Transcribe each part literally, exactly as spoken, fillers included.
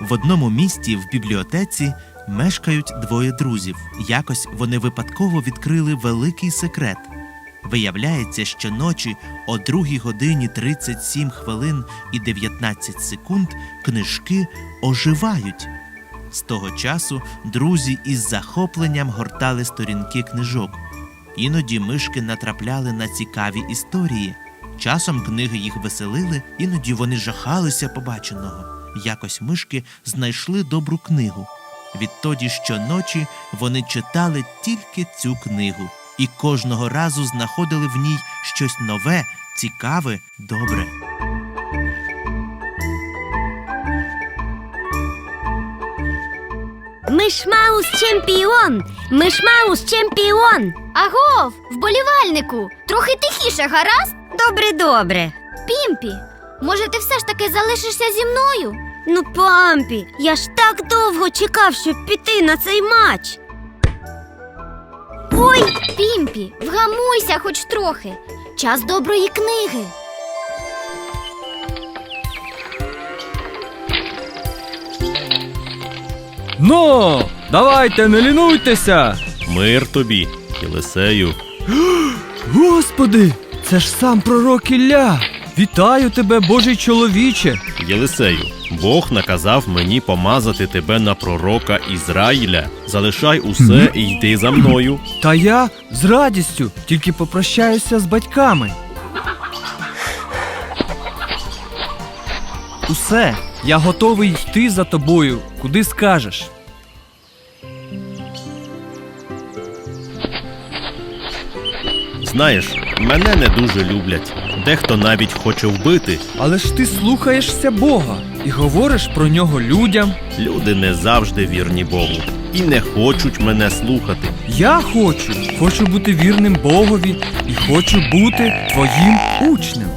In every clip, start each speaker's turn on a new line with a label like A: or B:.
A: В одному місті в бібліотеці мешкають двоє друзів. Якось вони випадково відкрили великий секрет. Виявляється, що ночі о другій годині тридцять сім хвилин і дев'ятнадцять секунд книжки оживають. З того часу друзі із захопленням гортали сторінки книжок. Іноді мишки натрапляли на цікаві історії. Часом книги їх веселили, іноді вони жахалися побаченого. Якось мишки знайшли добру книгу. Відтоді щоночі вони читали тільки цю книгу. І кожного разу знаходили в ній щось нове, цікаве, добре.
B: Мишмаус чемпіон! Мишмаус чемпіон!
C: Агов, вболівальнику! Трохи тихіше, гаразд?
B: Добре, добре.
C: Пімпі, може ти все ж таки залишишся зі мною?
B: Ну, Пампі, я ж так довго чекав, щоб піти на цей матч. Ой!
C: Пімпі, вгамуйся хоч трохи. Час доброї книги.
D: Ну, давайте, не лінуйтеся!
E: Мир тобі, Єлисею.
D: Господи, це ж сам пророк Ілля! Вітаю тебе, Божий чоловіче!
E: Єлисею, Бог наказав мені помазати тебе на пророка Ізраїля. Залишай усе і йди за мною.
D: Та я з радістю тільки попрощаюся з батьками. Усе, я готовий йти за тобою, куди скажеш.
E: Знаєш, мене не дуже люблять. Дехто навіть хоче вбити.
D: Але ж ти слухаєшся Бога і говориш про нього людям.
E: Люди не завжди вірні Богу і не хочуть мене слухати.
D: Я хочу, хочу бути вірним Богові і хочу бути твоїм учнем.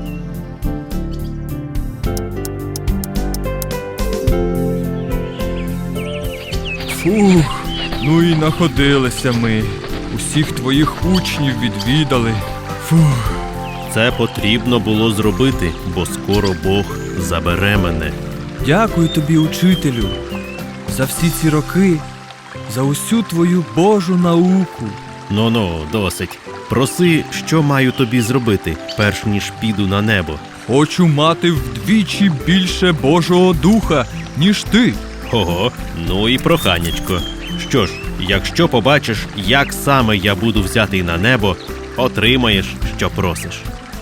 D: Фух, ну і находилися ми. Усіх твоїх учнів відвідали. Фух.
E: Це потрібно було зробити, бо скоро Бог забере мене.
D: Дякую тобі, учителю, за всі ці роки, за усю твою Божу науку.
E: Ну-ну, досить. Проси, що маю тобі зробити, перш ніж піду на небо.
D: Хочу мати вдвічі більше Божого Духа, ніж ти.
E: Ого, ну і проханячко. Що ж, якщо побачиш, як саме я буду взятий на небо, отримаєш, що просиш.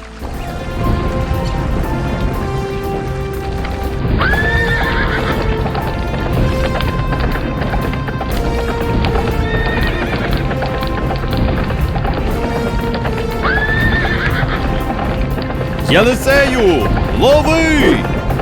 E: Єлисею, лови!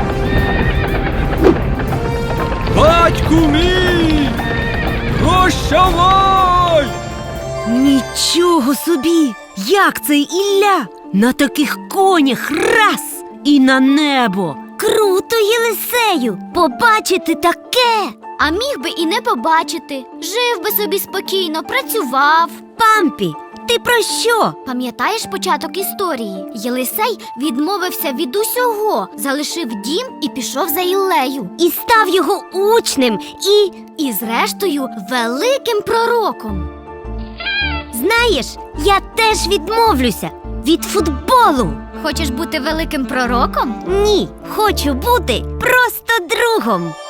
D: Батьку мій! Прощавай!
B: Нічого собі! Як це Ілля? На таких конях раз! І на небо! Круто, Єлисею! Побачити таке!
C: А міг би і не побачити. Жив би собі спокійно, працював.
B: Пампі, ти про що?
C: Пам'ятаєш початок історії? Єлисей відмовився від усього, залишив дім і пішов за Іллею.
B: І став його учнем, і...
C: І зрештою великим пророком.
B: Знаєш, я теж відмовлюся від футболу.
C: Хочеш бути великим пророком?
B: Ні, хочу бути просто другом.